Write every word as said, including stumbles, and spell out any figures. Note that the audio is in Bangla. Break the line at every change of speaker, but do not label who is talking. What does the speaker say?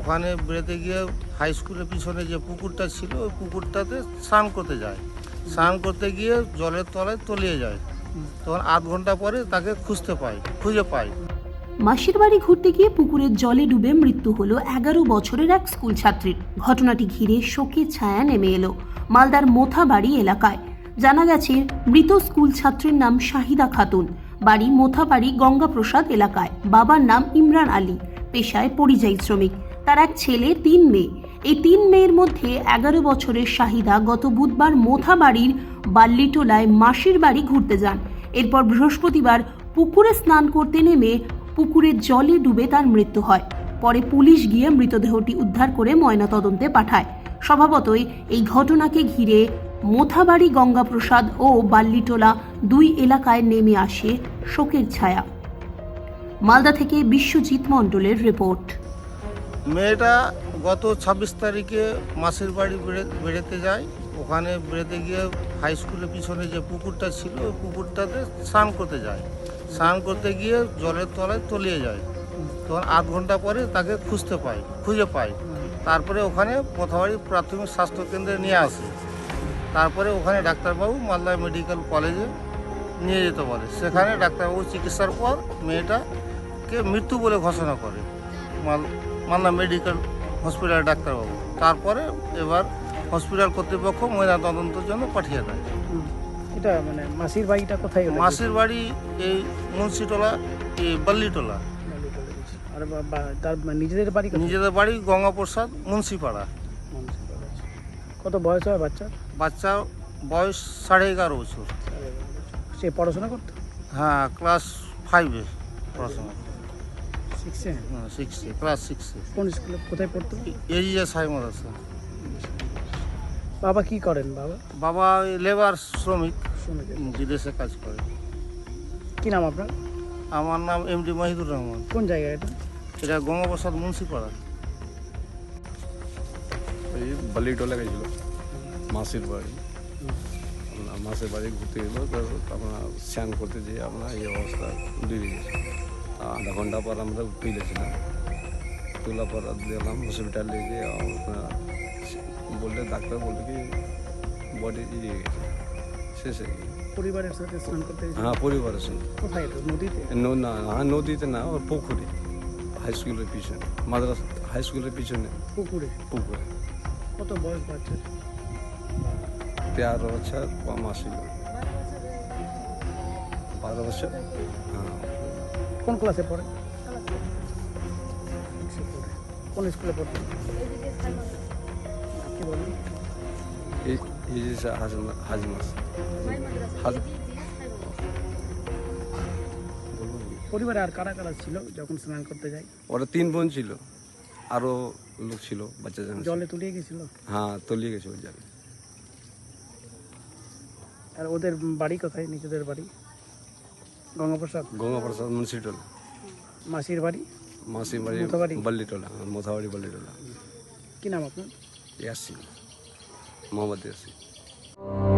ওখানে বেড়াতে গিয়ে হাই স্কুলের পিছনে যে পুকুরটা ছিল ওই পুকুরটাতে স্নান করতে যায়। স্নান করতে গিয়ে জলের তলায় তলিয়ে যায়। তখন আধ ঘন্টা পরে তাকে খুঁজতে পায় খুঁজে পায়।
মাসির বাড়ি ঘুরতে গিয়ে পুকুরের জলে ডুবে মৃত্যু হলো এগারো বছরের এক স্কুল ছাত্রীর। ঘটনাটি ঘিরে শোকের ছায়া নেমে এলো মালদার মোথাবাড়ি এলাকায়। জানা গেছে, মৃত স্কুল ছাত্রীর নাম শাহিদা খাতুন, বাড়ি মোথাবাড়ি গঙ্গাপ্রসাদ এলাকায়। বাবার নাম ইমরান আলী, পেশায় পরিযায়ী শ্রমিক। তার এক ছেলে, তিন মেয়ে। এই তিন মেয়ের মধ্যে এগারো বছরের শাহিদা গত বুধবার মোথাবাড়ির বাল্লিটোলায় মাসির বাড়ি ঘুরতে যান। এরপর বৃহস্পতিবার পুকুরে স্নান করতে নেমে পুকুরের জলে ডুবে তার মৃত্যু হয়। পরে পুলিশ গিয়ে মৃতদেহটি উদ্ধার করে ময়নাতদন্তে পাঠায়। স্বভাবতই এই ঘটনাকে ঘিরে মোথাবাড়ি গঙ্গাপ্রসাদ ও বাল্লিটোলা দুই এলাকায় নেমে আসে শোকের ছায়া। মালদা থেকে বিশ্বজিৎ মণ্ডলের রিপোর্ট।
মেয়েটা গত ছাব্বিশ তারিখে মাসির বাড়ি বেড়াতে যায়। ওখানে বেড়াতে গিয়ে হাই স্কুলের পিছনে যে পুকুরটা ছিল ওই পুকুরটাতে স্নান করতে যায়। স্নান করতে গিয়ে জলের তলায় তলিয়ে যায়। তখন আধ ঘন্টা পরে তাকে খুঁজতে পায় খুঁজে পায় তারপরে ওখানে মোথাবাড়ি প্রাথমিক স্বাস্থ্যকেন্দ্রে নিয়ে আসে। তারপরে ওখানে ডাক্তারবাবু মালদা মেডিকেল কলেজে নিয়ে যেতে বলে। সেখানে ডাক্তারবাবু চিকিৎসার পর মেয়েটাকে মৃত্যু বলে ঘোষণা করে মাল মালদা মেডিকেল হসপিটাল ডাক্তারবাবু। তারপরে এবার হসপিটাল কর্তৃপক্ষ ময়নাতদন্তের জন্য পাঠিয়ে দেয়।
এটা মানে মাসির বাড়িটা কোথায়?
মাসির বাড়ি এই মুন্সিটোলা, এই বাল্লিটোলা।
আর বা- বা- তার নিজেদের বাড়ি কোথায়?
নিজেদের বাড়ি গঙ্গাপ্রসাদ মুন্সিপাড়া।
কত বয়স হয় বাচ্চার?
বাচ্চার বয়স সাড়ে এগারো বছর।
সে পড়াশোনা করতো?
হ্যাঁ, ক্লাস ফাইভে পড়াশোনা।
সিক্সে?
হ্যাঁ, সিক্সে, ক্লাস সিক্সে।
কোন স্কুলে, কোথায় পড়তো?
এজিএ সাই মাদ্রাসা।
বাবা কি করেন? বাবা
বাবা লেবার শ্রমিক,
শ্রমিক।
বিদেশে কাজ করে।
কি নাম আপনার?
আমার নাম এমডি মাহিদুর রহমান।
কোন জায়গায় এটা?
এটা গঙ্গাপ্রসাদ মুন্সিপাড়া।
এই বালিটোলা গেছিল মাসির বাড়ি। আপনার মাসির বাড়ি ঘুরতে গেলো, তো আপনার স্নান করতে যেয়ে আপনার এই অবস্থা ডুবে গেছে। আধা ঘন্টা পর আমরা তুলেছিলাম, তোলার পর দিলাম হসপিটালে যে আপনার বললে, ডাক্তার বললে কি বডি ইয়ে গেছে, শেষ হয়ে গেছে।
পরিবারের সাথে স্নান করতে গেছে?
হ্যাঁ, পরিবারের সঙ্গে।
কোথায় এটা? নদীতে?
ন- না, হ্যাঁ নদীতে না, ওর পুকুরে, হাই স্কুলের পিছনে, মাদ্রাসা হাই স্কুলের পিছনে
পুকুরে?
পুকুরে।
কত বয়স বাচ্চার?
তেরো বছর কম আসিল, বারো বছর। হ্যাঁ,
কোন ক্লাসে পড়ে? কোন স্কুলে পড়তো? কি বলেন?
এই এই যে হাজি হাজি মাস হাজি
পরিবারে আর কারা কারা ছিল যখন স্নান করতে যায়?
ওরা তিন বোন ছিল, আরো লোক ছিল, বাচ্চা জানা।
জলে তলিয়ে গেছিল?
হ্যাঁ, তলিয়ে গেছে ওই জলে।
আর ওদের বাড়ি কোথায়? নিজেদের বাড়ি গঙ্গাপ্রসাদ?
গঙ্গাপ্রসাদ মুন্সিটোলা।
মাসির বাড়ি?
মাসি বাড়ি
মোথাবাড়ি?
বাল্লিটোলা, মোথাবাড়ি বাল্লিটোলা।
কি নাম আপনার?
ইয়াসিন, মোহাম্মদ ইয়াসিন।